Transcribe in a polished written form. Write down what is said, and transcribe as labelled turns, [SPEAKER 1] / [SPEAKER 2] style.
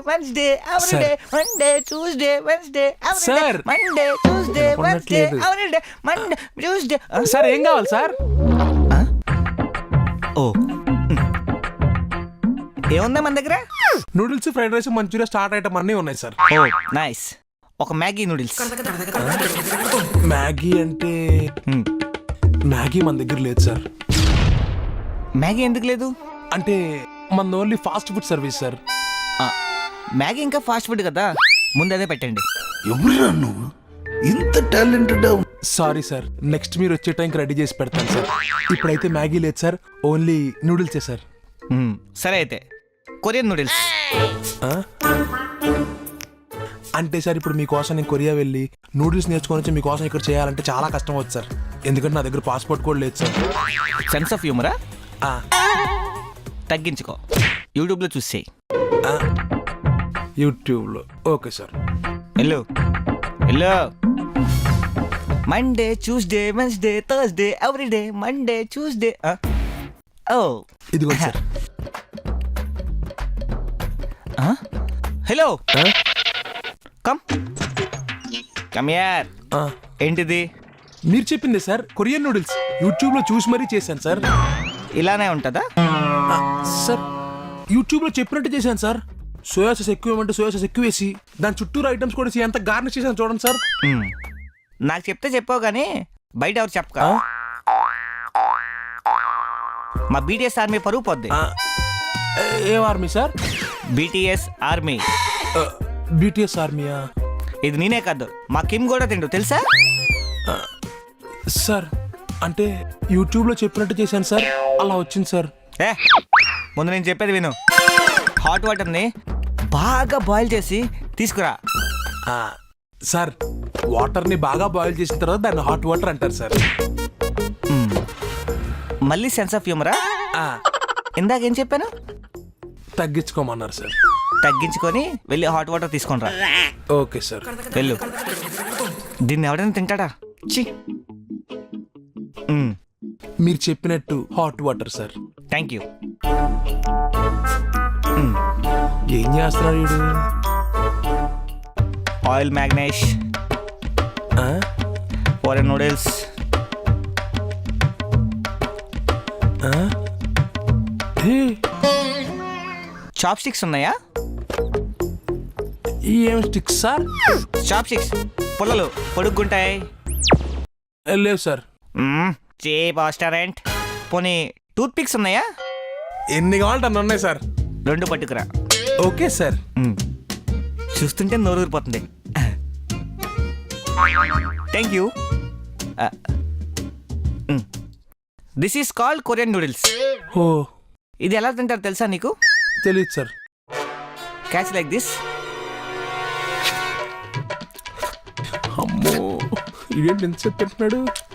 [SPEAKER 1] Wednesday everyday Monday Tuesday Wednesday everyday
[SPEAKER 2] sir.
[SPEAKER 1] Monday Tuesday Wednesday everyday Monday Tuesday.
[SPEAKER 2] Sir ఏం కావాలి sir?
[SPEAKER 1] ఓ ఏముందా మన దగ్గర?
[SPEAKER 2] Noodles, fried rice, manchuria start item అన్నీ ఉన్నాయి సార్.
[SPEAKER 1] Oh nice. ఒక మ్యాగీ నూడిల్స్.
[SPEAKER 2] మ్యాగీ అంటే మ్యాగీ మన దగ్గర లేదు సార్.
[SPEAKER 1] మ్యాగీ ఎందుకు లేదు?
[SPEAKER 2] అంటే మన only fast food service sir.
[SPEAKER 1] Maggi ఇంకా ఫాస్ట్ ఫుడ్ కదా, ముందు అదే పెట్టండి.
[SPEAKER 3] ఎవరురా నువ్వు ఇంత టాలెంటెడ్?
[SPEAKER 2] సారీ సార్, నెక్స్ట్ మీరు వచ్చే టైంకి రెడీ చేసి పెడతాను సార్. ఇప్పుడైతే మ్యాగీ లేదు సార్, ఓన్లీ నూడిల్సే సార్.
[SPEAKER 1] సరే అయితే కొరియన్ నూడిల్స్.
[SPEAKER 2] అంటే సార్ ఇప్పుడు మీకోసం నేను కొరియా వెళ్ళి నూడిల్స్ నేర్చుకొని వచ్చి మీకోసం ఇక్కడ చేయాలంటే చాలా కష్టం అవుతుంది సార్. ఎందుకంటే నా దగ్గర పాస్పోర్ట్ కూడా లేదు సార్.
[SPEAKER 1] సెన్స్ ఆఫ్ హ్యూమరా? తగ్గించుకో, యూట్యూబ్లో చూసేయి.
[SPEAKER 2] యూట్యూబ్లో okay sir.
[SPEAKER 1] Hello hello. Monday Tuesday Wednesday Thursday everyday Monday Tuesday. ఓ
[SPEAKER 2] ఇదిగో సార్.
[SPEAKER 1] హలో కమ్ కమ్ యార్. ఏంటిది?
[SPEAKER 2] మీరు చెప్పింది సార్, కొరియన్ నూడిల్స్ యూట్యూబ్లో చూసి మరీ చేశాను సార్.
[SPEAKER 1] ఇలానే ఉంటుందా
[SPEAKER 2] సార్? యూట్యూబ్లో చెప్పినట్టు చేశాను సార్. సోయా సాస్ ఎక్కువ ఏమంటే సోయా సాస్ ఎక్కువ వేసి దాని చుట్టూరు ఐటమ్స్ కూడా వేసి ఎంత గార్నిష్ చేశాను చూడండి సార్.
[SPEAKER 1] నాకు చెప్తే చెప్పావు కానీ బయట ఎవరు చెప్పక. మా బీటీఎస్ ఆర్మీ పరుగు పోద్ది.
[SPEAKER 2] ఏం army sir?
[SPEAKER 1] BTS army.
[SPEAKER 2] BTS ఆర్మీయా?
[SPEAKER 1] ఇది నేనే కాదు, మా కిమ్ కూడా తిండు తెలుసా?
[SPEAKER 2] సార్ అంటే యూట్యూబ్లో చెప్పినట్టు చేశాను సార్, అలా వచ్చింది సార్.
[SPEAKER 1] ముందు నేను చెప్పేది విను. హాట్ వాటర్ని బాగా బాయిల్ చేసి తీసుకురా.
[SPEAKER 2] సార్ వాటర్ని బాగా బాయిల్ చేసిన తర్వాత దాన్ని హాట్ వాటర్ అంటారు సార్.
[SPEAKER 1] మళ్ళీ సెన్స్ ఆఫ్ హ్యూమరా? ఇందాకేం చెప్పాను?
[SPEAKER 2] తగ్గించుకోమన్నారు సార్.
[SPEAKER 1] తగ్గించుకొని వెళ్ళి హాట్ వాటర్ తీసుకొని రా.
[SPEAKER 2] Okay sir.
[SPEAKER 1] వెళ్ళు. దీన్ని ఎవడైనా తింటాడా? చి.
[SPEAKER 2] మీరు చెప్పినట్టు hot water sir.
[SPEAKER 1] Thank you.
[SPEAKER 2] ఏం చేస్తున్నాడు వీడు?
[SPEAKER 1] Oil Magnesh, Korean noodles. Chopsticks ఉన్నాయా?
[SPEAKER 2] ఏం స్టిక్స్ సార్?
[SPEAKER 1] చాప్ స్టిక్స్ పుల్లలు పొడుగ్గుంటాయి.
[SPEAKER 2] లేవు సార్.
[SPEAKER 1] Cheap restaurant. పోనీ టూత్ పిక్స్ ఉన్నాయా?
[SPEAKER 2] ఎన్ని కావాలంటే అన్నీ ఉన్నాయి సార్.
[SPEAKER 1] 2 పట్టుకురా.
[SPEAKER 2] Okay sir.
[SPEAKER 1] చూస్తుంటే నోరు ఊరిపోతుంది. Thank you. This is called Korean noodles.
[SPEAKER 2] ఓ,
[SPEAKER 1] ఇది ఎలా తింటారు తెలుసా నీకు?
[SPEAKER 2] తెలియదు సార్.
[SPEAKER 1] Catch like this.
[SPEAKER 2] అమ్మో, ఇదేంటి ఎంత చెప్పి పెడుతున్నాడు?